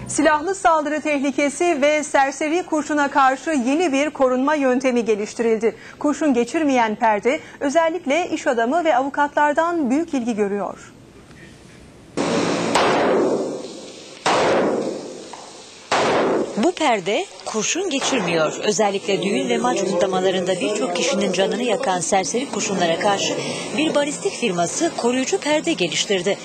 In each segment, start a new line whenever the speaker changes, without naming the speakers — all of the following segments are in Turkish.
Silahlı saldırı tehlikesi ve serseri kurşuna karşı yeni bir korunma yöntemi geliştirildi. Kurşun geçirmeyen perde özellikle iş adamı ve avukatlardan büyük ilgi görüyor.
Bu perde kurşun geçirmiyor. Özellikle düğün ve maç kutlamalarında birçok kişinin canını yakan serseri kurşunlara karşı bir balistik firması koruyucu perde geliştirdi.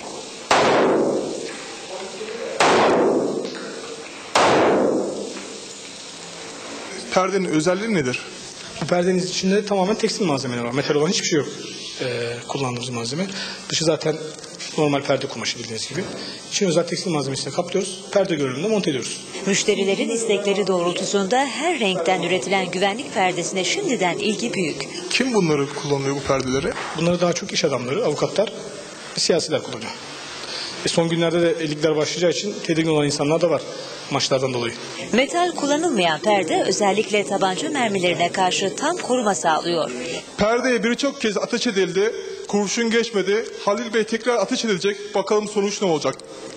Perdenin özelliği nedir?
Bu perdenin içinde tamamen tekstil malzemeler var. Metal olan hiçbir şey yok kullandığımız malzeme. Dışı zaten normal perde kumaşı bildiğiniz gibi. İçini özel tekstil malzemesiyle kaplıyoruz. Perde görünümünde monte ediyoruz.
Müşterilerin istekleri doğrultusunda her renkten üretilen güvenlik perdesine şimdiden ilgi büyük.
Kim bunları kullanıyor, bu perdeleri?
Bunları daha çok iş adamları, avukatlar, siyasiler kullanıyor. Son günlerde de ligler başlayacağı için tedirgin olan insanlar da var maçlardan dolayı.
Metal kullanılmayan perde özellikle tabanca mermilerine karşı tam koruma sağlıyor.
Perdeye birçok kez ateş edildi, kurşun geçmedi. Halil Bey tekrar ateş edilecek. Bakalım sonuç ne olacak?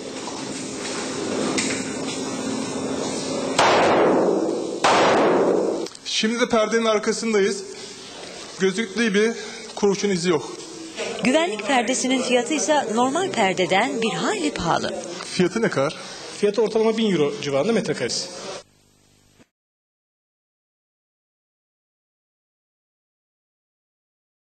Şimdi de perdenin arkasındayız. Gözüktüğü bir kurşun izi yok.
Güvenlik perdesinin fiyatı ise normal perdeden bir hayli pahalı.
Fiyatı ne kadar?
Fiyatı ortalama 1000 euro civarında metrekaresi.